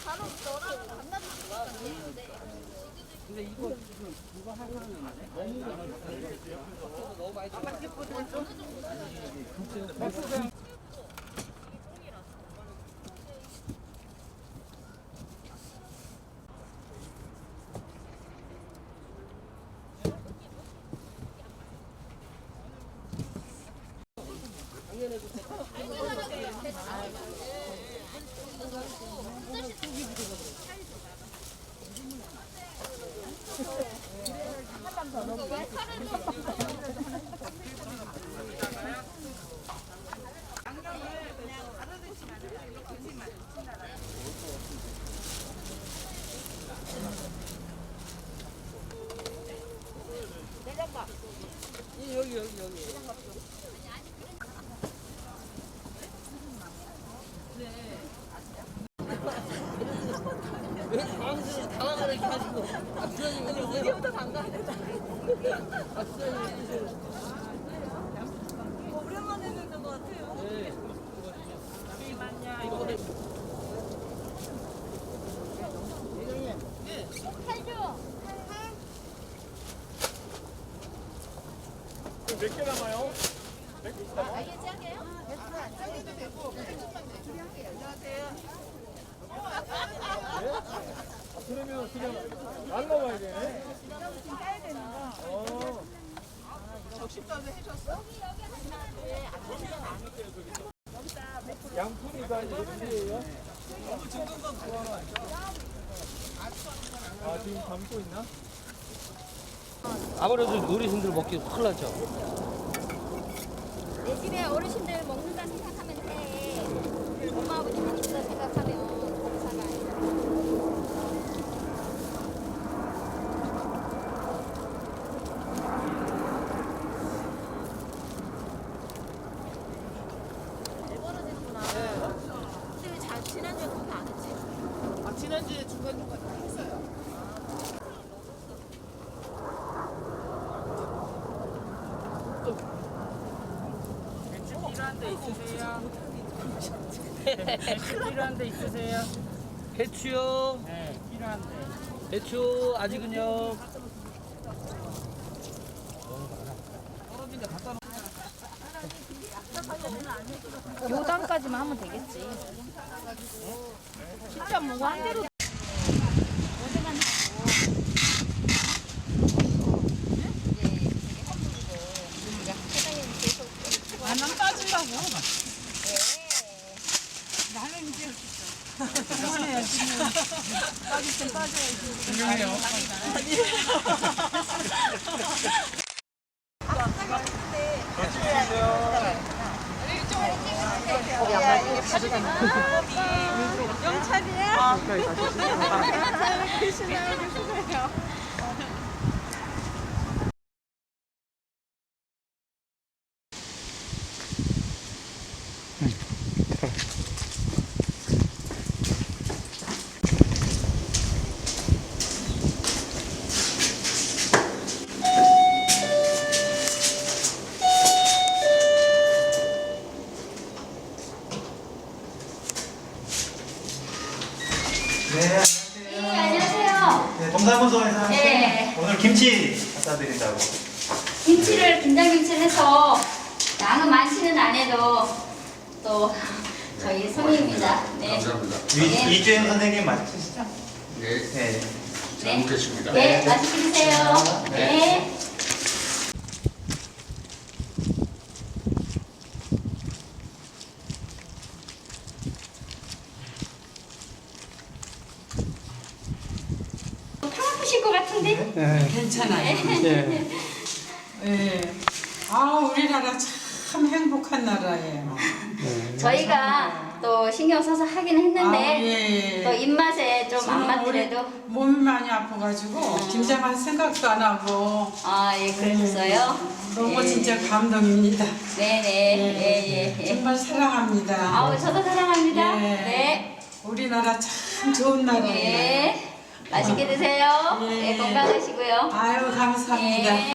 근데 이거 지금 누가 하려는 너무 많이 여기. 왜 당황을 이렇게 하시고? 부장님 어디부터 당가야 되잖아. 부장님. 오랜만에 듣는 것 같아요. 네. 잠시만요. 이거 몇 개 남아요? 그러면 그냥 날라와야 되네. 지금 따야 되는 거. 적십자도 해줬어? 양푼이 다 이제 준비해요? 아, 지금 담고 있나? 아무래도 어르신들 먹기 큰일 나죠. 내 집에 어르신들 먹는다 생각하면 돼. 엄마 아버지 먹는다 생각하면 공사가 아니라. 근데 지난주에 그렇게 안 했지? 아, 지난주에 중간중간 다 했어요. 필요한 데 있으세요? 필요한 데 있으세요? 배추요? 네, 필요한데. 배추 아직은요? 요 단까지만 하면 되겠지. 진짜 뭐 한 대로. 나만 빠지려고. 나는 이제 그만해야지. 빠질 땐 빠져야지. 분명해요. 영찰이야? 네, 안녕하세요. 네, 동사무소에서 네. 오늘 김치 갖다 드린다고. 김치를 김장김치를 해서 양은 많지는 않아도 또 저희 손님입니다. 네. 감사합니다. 네. 이주영 선생님 맞으시죠? 네, 네. 잘 먹겠습니다. 네, 맛있게 드세요. 네. 파 아프실 것 같은데? 괜찮아요. 예. 아, 우리나라 참 행복한 나라예요. 저희가 또 신경 써서 하긴 했는데 아, 예. 또 입맛에 좀 안 저는 우리 맞더라도 몸이 많이 아파가지고 김장할 생각도 안 하고 아, 예, 그러셨어요? 너무 예. 진짜 감동입니다. 네네. 예. 정말 사랑합니다. 아우, 저도 사랑합니다. 예. 네. 우리나라 참 좋은 나라예요. 예. 맛있게 드세요. 예. 예, 건강하시고요. 아유, 감사합니다. 예.